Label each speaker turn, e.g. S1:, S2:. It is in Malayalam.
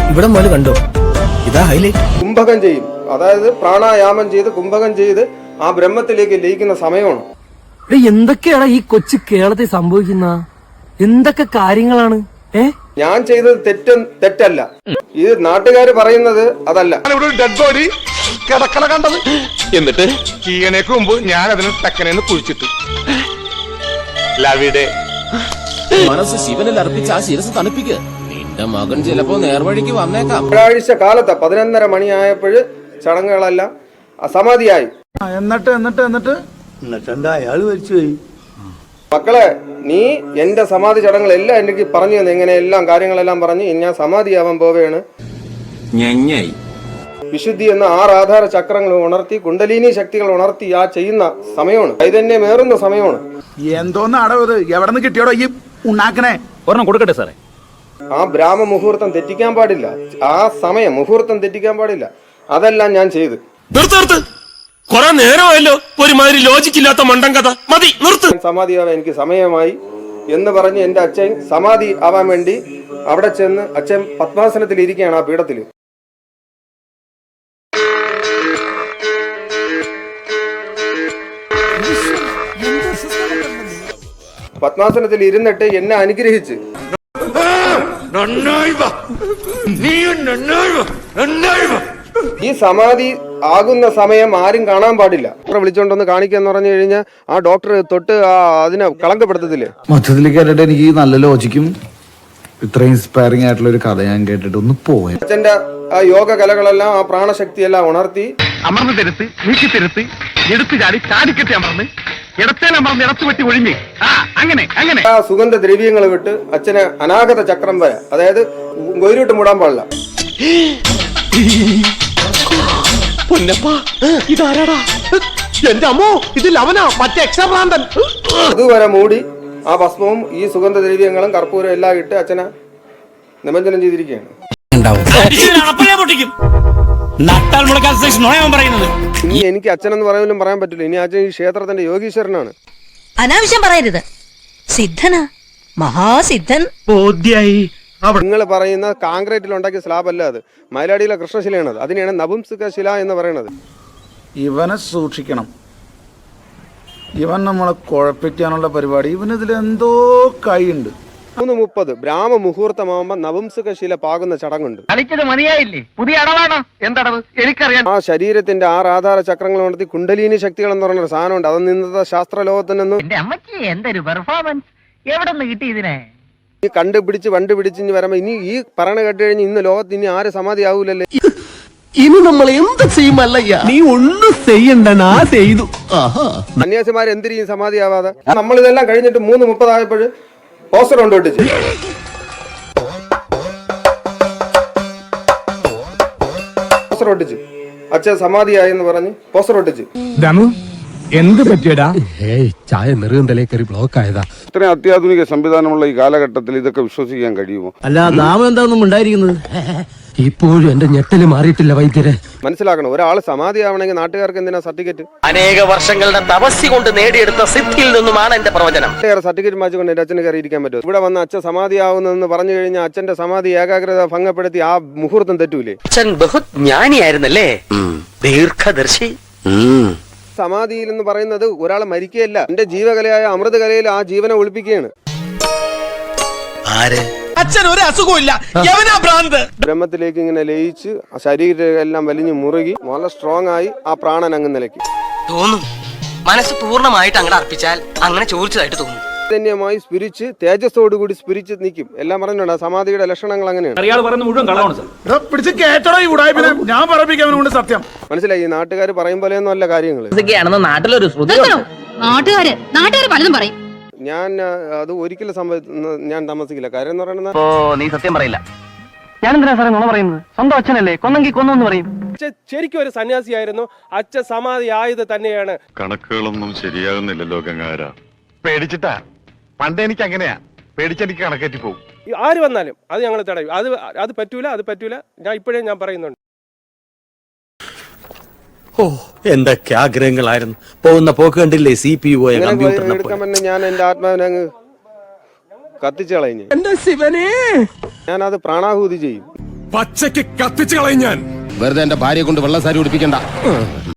S1: ഇവിടെ മുതൽ കണ്ടോ, ഇതാ ഹൈലൈറ്റ്.
S2: കുംഭകം ചെയ്യും, അതായത് പ്രാണായാമം ചെയ്ത് കുംഭകം ചെയ്ത് ആ ബ്രഹ്മത്തിലേക്ക് ലയിക്കുന്ന സമയമാണ്.
S3: എന്തൊക്കെയാണ് ഈ കൊച്ചു കേരളത്തിൽ സംഭവിക്കുന്ന എന്തൊക്കെ കാര്യങ്ങളാണ്?
S2: ഞാൻ ചെയ്തത് തെറ്റല്ല, ഇത് നാട്ടുകാര് പറയുന്നത് അതല്ല.
S4: ഡെഡ് ബോഡി കിടക്കണ കണ്ടത്, എന്നിട്ട് കീഴനേക്ക് മുമ്പ് ഞാൻ അതിന് തക്കനെന്ന് കുഴിച്ചിട്ടു. ലവിടെ
S5: മനസ്സ് ശിവനിൽ അർപ്പിച്ച ആ ശിരസ് തണുപ്പിക്ക്. നിന്റെ മകൻ ചിലപ്പോ നേർവഴിക്ക് വന്നേക്കാം.
S2: വ്യാഴാഴ്ച കാലത്ത് 11:30 മണിയായപ്പോഴ് ചടങ്ങുകളെല്ലാം സമാധിയായി.
S6: എന്നിട്ട് എന്താ അയാൾ മരിച്ചുപോയി.
S2: മക്കളെ, നീ എന്റെ സമാധി ചടങ്ങുകളെല്ലാം എനിക്ക് പറഞ്ഞു തന്നെ, ഇങ്ങനെ എല്ലാം കാര്യങ്ങളെല്ലാം പറഞ്ഞ് ഞാൻ സമാധിയാവാൻ പോവുകയാണ്. വിശുദ്ധി എന്ന 6 ആധാര ചക്രങ്ങൾ ഉണർത്തി കുണ്ടലിനി ശക്തികൾ ഉണർത്തി ആ ചെയ്യുന്ന സമയമാണ്, ചൈതന്യമേറുന്ന സമയമാണ്.
S6: എന്തോന്നാടോ ഇത്, എവിടെ നിന്ന് കിട്ടിയോടോ ഈ ഉണ്ടാക്കണേ? ഒരെണ്ണം കൊടുക്കട്ടെ സാറേ.
S2: ആ ബ്രാഹ്മ മുഹൂർത്തം തെറ്റിക്കാൻ പാടില്ല, ആ സമയം മുഹൂർത്തം തെറ്റിക്കാൻ പാടില്ല. അതെല്ലാം ഞാൻ ചെയ്ത്.
S7: കൊറേ നേരമായല്ലോ ഒരുമാതിരി ലോജിക്കില്ലാത്ത മണ്ടൻ കഥ. മതി, നിർത്ത്.
S2: സമാധിയാവാൻ എനിക്ക് സമയമായി എന്ന് പറഞ്ഞ് എന്റെ അച്ഛൻ സമാധി ആവാൻ വേണ്ടി അവിടെ ചെന്ന് അച്ഛൻ പത്മാസനത്തിൽ ഇരിക്കുകയാണ് ആ പീഠത്തില്. പത്മാസനത്തിൽ ഇരുന്നിട്ട് എന്നെ അനുഗ്രഹിച്ച് ഈ സമാധി ആകുന്ന സമയം ആരും കാണാൻ പാടില്ല. ഡോക്ടറെ വിളിച്ചോണ്ടൊന്ന് കാണിക്കാന്ന് പറഞ്ഞു കഴിഞ്ഞാൽ ആ ഡോക്ടർ തൊട്ട് അതിനെ കളങ്കപ്പെടുത്തത്തില്ലേ.
S6: മൊത്തത്തിൽ കേട്ടിട്ട് എനിക്ക് നല്ല ലോജിക്കും ഇത്രയും ഇൻസ്പയറിംഗ് ആയിട്ടുള്ള ഒരു കഥ ഞാൻ കേട്ടിട്ട് ഒന്ന് പോയി.
S2: അച്ഛന്റെ ആ യോഗ കലകളെല്ലാം ആ പ്രാണശക്തിയെല്ലാം ഉണർത്തി
S4: അമർന്ന് തിരുത്ത്, നീക്കി തിരുത്ത്, എടുത്തു ചാടി ചാടിക്കെട്ടി അമർന്ന്, ഇടത്തേലമർന്ന് ഇടത്തു വെട്ടി ഒഴിഞ്ഞ്, അങ്ങനെ അങ്ങനെ
S2: ആ സുഗന്ധ ദ്രവ്യങ്ങൾ വിട്ട് അച്ഛനെ അനാഗത ചക്രം വരെ, അതായത് ഗൊയിലോട്ട് മൂടാൻ പാടില്ല. അതുവരെ മൂടി ആ ഭസ്മവും ഈ സുഗന്ധ ദ്രവ്യങ്ങളും കർപ്പൂരം എല്ലാം ഇട്ട് അച്ഛനെ നിമഞ്ജനം ചെയ്തിരിക്കുകയാണ്. ഇനി എനിക്ക് അച്ഛനെന്ന് പറയാനും പറയാൻ പറ്റില്ല. ഇനി അച്ഛൻ ഈ ക്ഷേത്രത്തിന്റെ യോഗീശ്വരനാണ്.
S8: അനാവശ്യം പറയരുത്. സിദ്ധനാ, മഹാസിദ്ധൻ.
S2: നിങ്ങൾ പറയുന്ന കാൺക്രീറ്റിൽ ഉണ്ടാക്കിയ സ്ലാബ് അല്ല, അത് മയിലാടിയിലെ കൃഷ്ണശിലയാണ്. അതിനെയാണ് നപുംസക ശില എന്ന് പറയുന്നത്.
S6: ഇവനെ സൂക്ഷിക്കണം, ഇവൻ നമ്മളെ കുഴപ്പിക്കാനുള്ള പരിപാടി, ഇവനിതിലെന്തോ കൈയുണ്ട്.
S2: 3:30 ബ്രാഹ്മ മുഹൂർത്തമാകുമ്പോ നപുംസക ശില പാകുന്ന ചടങ്ങുണ്ട്.
S4: മതിയായില്ലേ? പുതിയ അടവാണോ? എന്തടവ്? എനിക്കറിയാം.
S2: ആ ശരീരത്തിന്റെ 6 ആധാര ചക്രങ്ങൾ ഉണർത്തി കുണ്ടലിനി ശക്തികൾ എന്ന് പറഞ്ഞൊരു സാധനമുണ്ട്. അത് ഇന്നത്തെ ശാസ്ത്ര ലോകത്തിനൊന്നും ഈ കണ്ടുപിടിച്ച് വരുമ്പോ ഇനി ഈ പറയണ കേട്ട് കഴിഞ്ഞ് ഇന്ന് ലോകത്ത് ഇനി ആര് സമാധി ആവൂലല്ലേ.
S3: ഇനി നമ്മൾ എന്ത് ചെയ്യുമല്ലയ്യ? നീ ഒന്നും ചെയ്യണ്ട, ചെയ്തു.
S2: സന്യാസിമാർ എന്തിനും സമാധി ആവാതെ. നമ്മൾ ഇതെല്ലാം കഴിഞ്ഞിട്ട് 3:30 ആയപ്പോൾ പോസ്റ്റർ കൊണ്ടുവിട്ടിച്ച് അച്ഛൻ സമാധിയായെന്ന് പറഞ്ഞ് പോസ്റ്റർ ഒട്ടിച്ച്.
S7: എന്ത് പറ്റിയടാ?
S5: ചായ നെറുകന്തലേ കയറി ബ്ലോക്ക് ആയതാ.
S4: ഇത്രയും അത്യാധുനിക സംവിധാനമുള്ള ഈ കാലഘട്ടത്തിൽ ഇതൊക്കെ വിശ്വസിക്കാൻ കഴിയുമോ?
S3: അല്ല, നാമം എന്താണെന്നും ഉണ്ടായിരിക്കുന്നത്.
S5: ഇപ്പോഴും എന്റെ ഞെട്ടല് മാറിയിട്ടില്ല വൈദ്യരെ.
S2: മനസ്സിലാക്കണം, ഒരാൾ സമാധി ആവണമെങ്കിൽ നാട്ടുകാർക്ക് എന്തിനാ സർട്ടിഫിക്കറ്റ്?
S5: അനേക വർഷങ്ങളുടെ തപസ്സി കൊണ്ട് നേടിയെടുത്ത സിദ്ധിയിൽ നിന്നുമാണ് എന്റെ പ്രവചനം.
S2: സർട്ടിഫിക്കറ്റ് മാച്ചുകൊണ്ട് എന്റെ അച്ഛന് കയറി ഇരിക്കാൻ പറ്റും? ഇവിടെ വന്ന് അച്ഛൻ സമാധി ആവുന്നെന്ന് പറഞ്ഞു കഴിഞ്ഞാൽ അച്ഛന്റെ സമാധി ഏകാഗ്രത ഭംഗപ്പെടുത്തി ആ മുഹൂർത്തം തെറ്റൂലേ?
S5: അച്ഛൻ ബഹുജ്ഞാനിയായിരുന്നല്ലേ, ദീർഘദർശി.
S2: സമാധിയിൽ എന്ന് പറയുന്നത് ഒരാൾ മരിക്കുകയല്ല, എന്റെ ജീവകലയായ അമൃതകലയിൽ ആ ജീവനെ ഒളിപ്പിക്കുകയാണ്.
S7: അച്ഛൻ ഒരു അസുഖമില്ല,
S2: ബ്രഹ്മത്തിലേക്ക് ഇങ്ങനെ ലയിച്ച് ശരീരം എല്ലാം വലിഞ്ഞു മുറുകി നല്ല സ്ട്രോങ് ആയി ആ പ്രാണൻ അങ്ങ് നിലയ്ക്ക്
S5: തോന്നും. മനസ്സ് പൂർണ്ണമായിട്ട് അങ്ങനെ അർപ്പിച്ചാൽ അങ്ങനെ ചോദിച്ചതായിട്ട് തോന്നും.
S2: ചൈതന്യമായി സ്പിരിച്ച് തേജസ്സോടുകൂടി സ്പിരിച്ച് നിൽക്കും. എല്ലാം പറഞ്ഞുണ്ട് സമാധിയുടെ ലക്ഷണങ്ങൾ അങ്ങനെയാണ്. മനസ്സിലായി? ഈ നാട്ടുകാർ പറയും പോലെയൊന്നും അല്ല കാര്യങ്ങൾ.
S8: നാട്ടുകാര് പലതും പറയും.
S2: ഞാൻ അത് ഒരിക്കലും ഞാൻ താമസിക്കില്ല. കാര്യം എന്ന് പറയുന്നത്,
S5: നീ സത്യം പറയില്ല. ഞാൻ എന്തിനാ സാറേ നുണ പറയുന്നത്? സ്വന്തം അച്ഛനല്ലേ, കൊന്നെങ്കിൽ കൊന്നു പറയും.
S2: ശരിക്കും ഒരു സന്യാസിയായിരുന്നു. അച്ഛൻ സമാധി ആയത് തന്നെയാണ്.
S4: കണക്കുകളൊന്നും ശരിയാകുന്നില്ലല്ലോ ഗംഗാര. പേടിച്ചിട്ടാ. പണ്ട് എനിക്ക് അങ്ങനെയാ, പേടിച്ചെനിക്ക് കണക്കേറ്റി പോകും.
S2: ആര് വന്നാലും അത് ഞങ്ങൾ തടയും. അത് പറ്റൂല. ഞാൻ ഇപ്പോഴേ ഞാൻ പറയുന്നുണ്ട്.
S1: ഓ, എന്തൊക്കെ ആഗ്രഹങ്ങളായിരുന്നു. പോകുന്ന പോക്ക് കണ്ടില്ലേ? CPU
S2: എടുക്കാൻ ഞാൻ എന്റെ ആത്മാവിനെ അങ്ങ് കത്തിച്ചു കളഞ്ഞു.
S3: എന്റെ ശിവനേ,
S2: ഞാനത് പ്രാണാഹൂതി ചെയ്യും.
S7: പച്ചയ്ക്ക് കത്തിച്ചു കളയും ഞാൻ.
S5: വെറുതെ എന്റെ ഭാര്യയെ കൊണ്ട് വെള്ളസാരി ഉടിപ്പിക്കണ്ട.